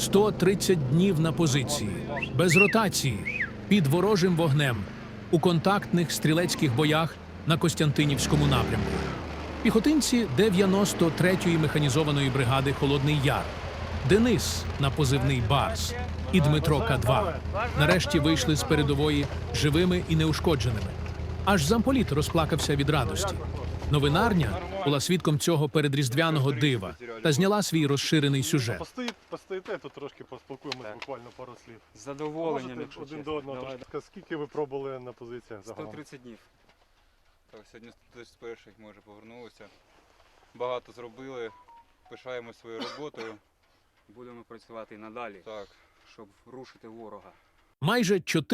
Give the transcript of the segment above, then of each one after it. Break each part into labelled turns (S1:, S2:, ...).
S1: 130 днів на позиції, без ротації, під ворожим вогнем, у контактних стрілецьких боях на Костянтинівському напрямку. Піхотинці 93-ї механізованої бригади «Холодний Яр», Денис на позивний «Барс» і Дмитро К2 нарешті вийшли з передової живими і неушкодженими. Аж замполіт розплакався від радості. Новинарня була свідком цього передріздвяного дива та зняла свій розширений сюжет.
S2: Постоїте, тут трошки поспілкуємося, буквально пару слів.
S3: З задоволенням,
S2: Можете один до одного трошки. Скільки ви пробули на позиціях загалом?
S3: 130 днів.
S4: Так, сьогодні 131-х ми вже повернулися. Багато зробили, пишаємо своєю роботою.
S3: Будемо працювати і надалі,
S4: Так.
S3: щоб рушити ворога.
S1: Майже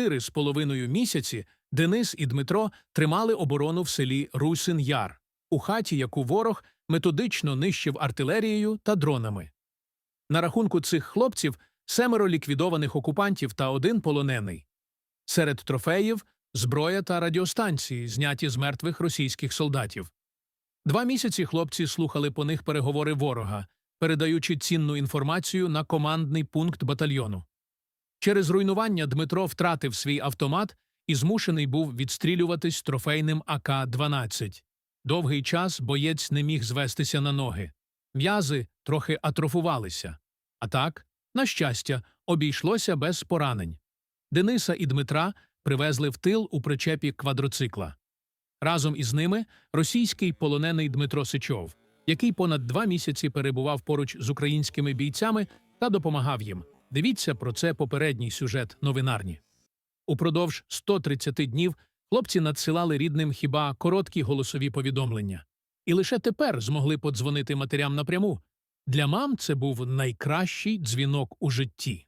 S1: 4,5 місяці Денис і Дмитро тримали оборону в селі Русин-Яр, у хаті, яку ворог методично нищив артилерією та дронами. На рахунку цих хлопців 7 ліквідованих окупантів та 1 полонений. Серед трофеїв – зброя та радіостанції, зняті з мертвих російських солдатів. 2 місяці хлопці слухали по них переговори ворога, передаючи цінну інформацію на командний пункт батальйону. Через руйнування Дмитро втратив свій автомат і змушений був відстрілюватись трофейним АК-12. Довгий час боєць не міг звестися на ноги. М'язи трохи атрофувалися. А так, на щастя, обійшлося без поранень. Дениса і Дмитра привезли в тил у причепі квадроцикла. Разом із ними російський полонений Дмитро Сичов, який понад 2 місяці перебував поруч з українськими бійцями та допомагав їм. Дивіться про це попередній сюжет новинарні. Упродовж 130 днів хлопці надсилали рідним хіба короткі голосові повідомлення. І лише тепер змогли подзвонити матерям напряму. Для мам це був найкращий дзвінок у житті.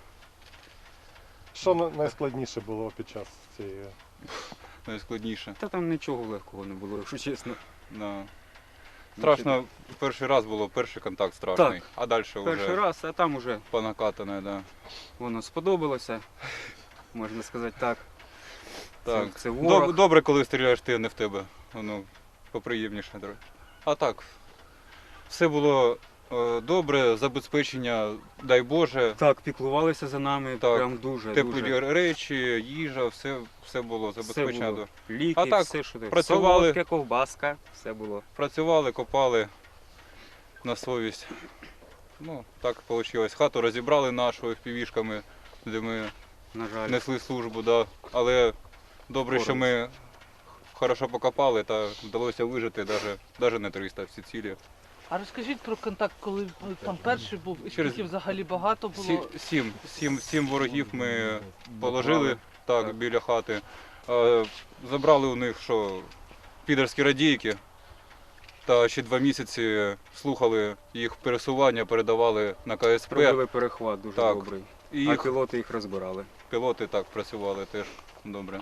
S2: Що найскладніше було під час цієї?
S4: Найскладніше.
S3: Та там нічого легкого не було, якщо чесно.
S4: Да. Страшно, перший раз було, перший контакт страшний,
S3: Так.
S4: а далі
S3: Перший
S4: вже
S3: раз, а там уже
S4: понакатане, да.
S3: воно сподобалося, можна сказати так.
S4: Так.
S3: Це ворог.
S4: Добре, коли стріляєш ти, а не в тебе. Воно поприємніше. А так, все було добре, забезпечення, дай Боже.
S3: Так, піклувалися за нами,
S4: Так.
S3: прям дуже.
S4: Теплі
S3: дуже.
S4: речі, їжа, все було забезпечено.
S3: Все було. Ліки,
S4: А так,
S3: все, що ти.
S4: працювали.
S3: Солодке, ковбаска, все було.
S4: Працювали, копали на совість. Ну, так вийшло. Хату розібрали нашу FPV-шками, де ми
S3: На жаль.
S4: несли службу, да. Але добре, що ми хорошо покопали та вдалося вижити, навіть не 300 всі цілі.
S5: А розкажіть про контакт, коли там перший був, і скільки взагалі багато було?
S4: Сім ворогів ми положили так, біля хати. Забрали у них підерські радійки. Та ще 2 місяці слухали їх пересування, передавали на КСП.
S3: Робили перехват дуже
S4: Так.
S3: добрий.
S4: І
S3: А пілоти їх розбирали.
S4: пілоти так працювали теж добре.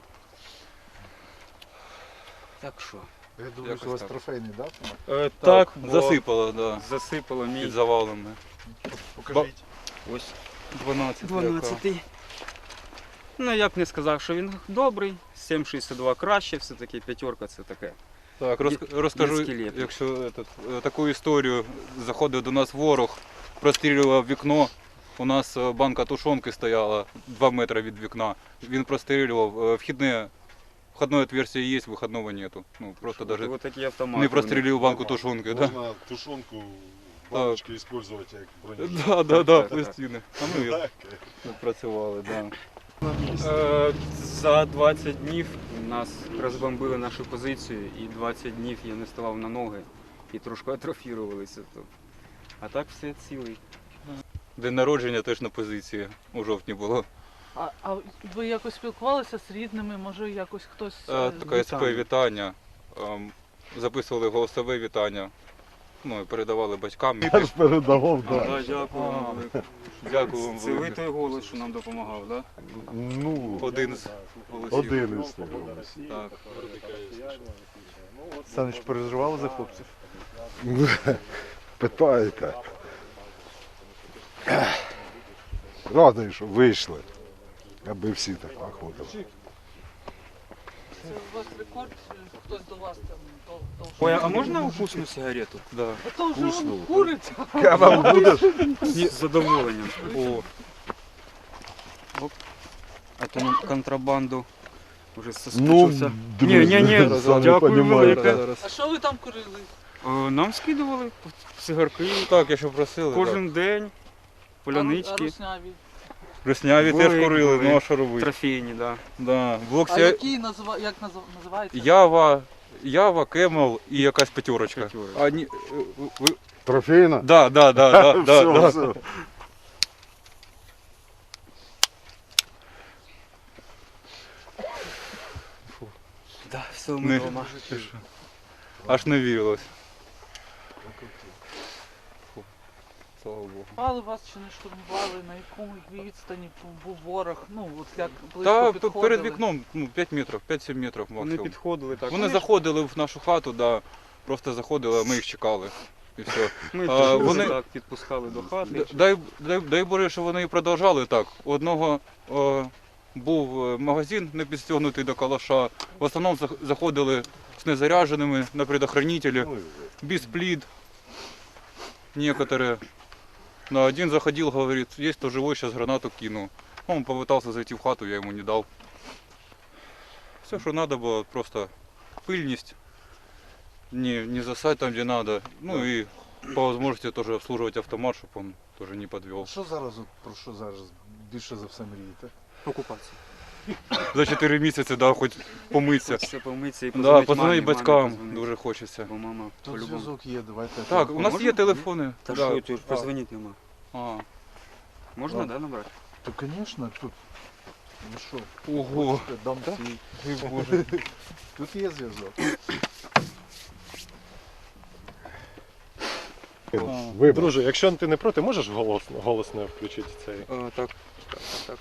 S3: Так що?
S6: Я думаю, що у вас
S4: так.
S6: трофейний, так?
S4: Так,
S3: бо
S4: засипало, да,
S3: засипало мій.
S4: під завалами.
S6: Покажіть.
S3: Ось
S4: 12.
S3: 12-й. Ну, я б не сказав, що він добрий. 7,62 краще, все-таки 5 це таке.
S4: Так, розкажу,
S3: скелет.
S4: якщо таку історію. Заходив до нас ворог, прострілював вікно. У нас банка тушонки стояла 2 метри від вікна. Він прострілював. Входне отверстие є, виходного нету. Ну, просто даже
S3: Ось такі автомати.
S4: не прострілював банку тушонки. Да?
S6: Можна тушонку, баночки використовувати як броню.
S4: Да,
S3: Так.
S4: пластини. А ми їх працювали, да.
S3: За 20 днів нас розбомбили нашу позицію, і 20 днів я не ставав на ноги і трошки атрофірувалися. А так все цілий.
S4: День народження теж на позиції у жовтні було.
S5: А ви якось спілкувалися з рідними, може якось хтось...
S4: Таке СП вітання. Записували голосове вітання. Ну і передавали батькам.
S6: Я ж передавав,
S3: Да,
S6: так.
S3: дякую вам.
S4: Дякую вам
S3: Це ви
S4: велике.
S3: той голос, що нам допомагав, так?
S6: Ну,
S4: Один з голосів.
S6: один із тих.
S4: Так.
S6: Саныч, переживали за хлопців? Питаєте. Радий, що вийшли. Аби всі так виходили.
S5: Це у вас рекорд, хтось до вас там
S3: Ой, а можна укусну сигарету?
S4: Да.
S5: А то вже он курить.
S6: А вам будеш?
S3: З задоволенням. О. Оп. А то на контрабанду вже соскучився. Ні,
S6: сами
S3: дякую
S6: понимаете.
S3: велике.
S5: А що ви там курили?
S3: Нам скидували цигарки
S4: Так, якщо просили.
S3: кожен день,
S5: А
S3: полянички,
S5: русняві?
S4: Русняві
S3: Були,
S4: теж курили,
S3: були.
S4: ну а що робити?
S3: трофейні, да.
S4: Да. Блок
S5: А які називається?
S4: Ява, Кемел і якась п'ятерочка.
S3: П'ятерочка.
S4: А, ні, ви...
S6: Трофейна?
S4: Да.
S6: Все, все.
S3: Да, все, ми
S4: Не.
S3: вдома.
S4: Аж не вірилось. Фу. Слава Богу.
S5: Штурмували вас чи не штурмували? На якому відстані був ворог? Ну, от як
S4: Та
S5: близько підходили?
S4: перед вікном 5 метрів, 5-7 метрів
S3: Вони
S4: максимум.
S3: підходили так.
S4: Вони заходили в нашу хату, да, просто заходили, а ми їх чекали. І все.
S3: Ми
S4: А,
S3: вони
S4: вони-
S3: так підпускали до хати.
S4: Дай Боже, що вони і продовжали так. У одного був магазин не підстягнутий до калаша. В основному заходили з незаряженими на предохранителі, без плід. Некоторые. На один заходил, говорит, есть кто живой, сейчас гранату кину. Он попытался зайти в хату, я ему не дал. Все, что надо было, просто пыльность, не засать там, где надо. Ну и по возможности тоже обслуживать автомат, чтобы он тоже не подвел.
S6: Що зараз, про що зараз більше за все мрієте?
S3: Окупація.
S4: За 4 місяці, да, хоч помитися.
S3: Хочеться помитися і
S4: Да, позвонити
S3: мамі
S4: батькам
S3: позвонити.
S4: дуже хочеться.
S3: Бо мама
S6: Тут
S3: по-любому.
S6: зв'язок є, давайте.
S4: Так, у нас
S3: Можна?
S4: є телефони.
S3: Та
S4: Да.
S3: що, ти ж позвонити нема.
S4: А.
S3: Можна,
S6: Да.
S3: да, набрати?
S6: То, звісно, тут. Ну що,
S4: Ого.
S6: хочете, дам свій.
S4: Ой, Боже.
S6: Тут є зв'язок.
S2: Ви, друже, якщо ти не проти, можеш голосно включити цей?
S3: Так, так.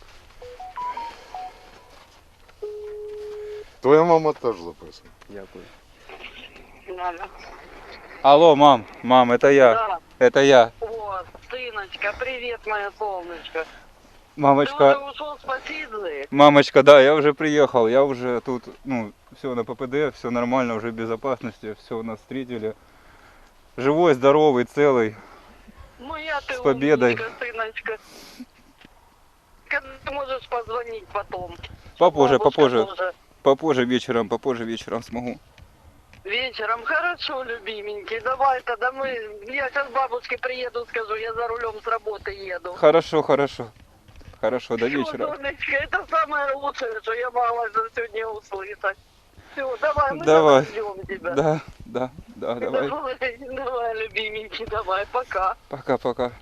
S6: Твоя мама теж записана.
S3: Дякую.
S7: Мама.
S4: Алло, мам, это я.
S7: Да.
S4: Это я.
S7: О, сыночка, привет, моя солнышко. Ты
S4: Мамочка,
S7: уже ушел с Посидлы?
S4: мамочка, да, я уже приехал, я уже тут, ну, все на ППД, все нормально, уже в безопасности, все нас встретили. Живой, здоровый, целый.
S7: Моя ты
S4: С победой.
S7: умничка, сыночка. Когда ты можешь позвонить потом?
S4: Попозже,
S7: Бабушка
S4: попозже,
S7: тоже.
S4: попозже вечером смогу.
S7: Вечером, хорошо, любименький, давай тогда мы, я сейчас бабушке приеду, скажу, я за рулем с работы еду.
S4: Хорошо, до
S7: Всё,
S4: вечера.
S7: солнышко, это самое лучшее, что я могла за сегодня услышать. Все, давай, мы
S4: Давай.
S7: ждем тебя.
S4: Да, давай.
S7: Давай, любименький, давай, пока.
S4: Пока.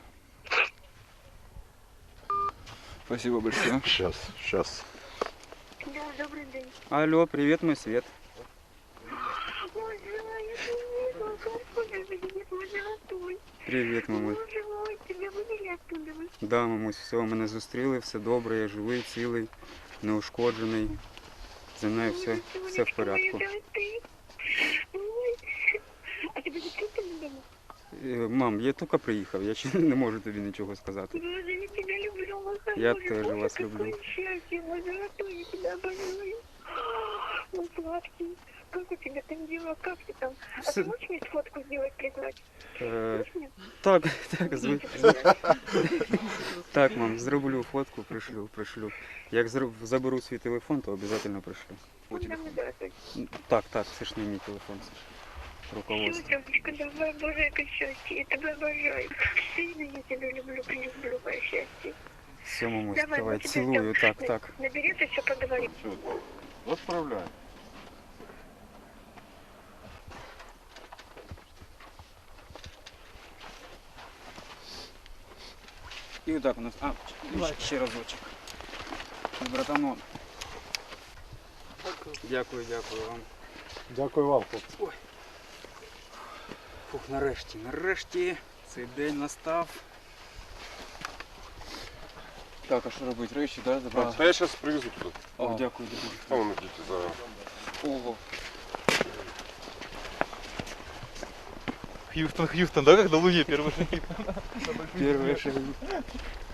S4: Спасибо большое.
S6: Щас.
S7: Да, добрый день.
S3: Алло, привіт, мой світ.
S7: Ой,
S3: Привіт, мамуль.
S7: тебя вывели оттуда?
S3: Да, мамусь, все, мене зустріли, все добре, я живий, цілий, неушкоджений. Зі мною все в порядку.
S7: А тебе действительно дома?
S3: Мам, я тільки приїхав, я ще не можу тобі нічого сказати.
S7: Боже, я тебя люблю, мой
S3: Я
S7: хороший.
S3: тоже
S7: Боже,
S3: вас
S7: какое
S3: люблю.
S7: счастье, мой золотой, я тебя обожаю. Мой сладкий. Как у тебя там дела? Как ты там? А
S3: Всё.
S7: ты можешь мне фотку сделать, прислать?
S3: Е,
S7: Можешь мне?
S3: так, так, мам, зроблю фотку, пришлю. Як заберу свій телефон, то обов'язково пришлю.
S7: Ну, давай, давай.
S3: Так, це ж не мій телефон, це ж
S7: Всё,
S3: руководство.
S7: Тёмочка, давай, Боже, это счастье, я тебя обожаю. Сильно я тебя люблю, прилюблю, мое счастье.
S3: Все, мамусь,
S7: Давай,
S3: давай,
S7: мы тебя
S3: цілую,
S7: ждём.
S3: так.
S7: Наберешь, еще поговорим.
S6: Відправляй.
S3: І отак у нас. Ще разочок. Братану. Дякую вам.
S2: Дякую вам, хлопці.
S3: Фух, нарешті цей день настав.
S4: Так, а що робити? Речі, да, забрати?
S6: Та я зараз привезу туди.
S3: О, дякую, дуже.
S6: А воно діти зараз.
S4: Ого. Хьюстон, да, как на Луне первый шаги?
S3: Перші шаги.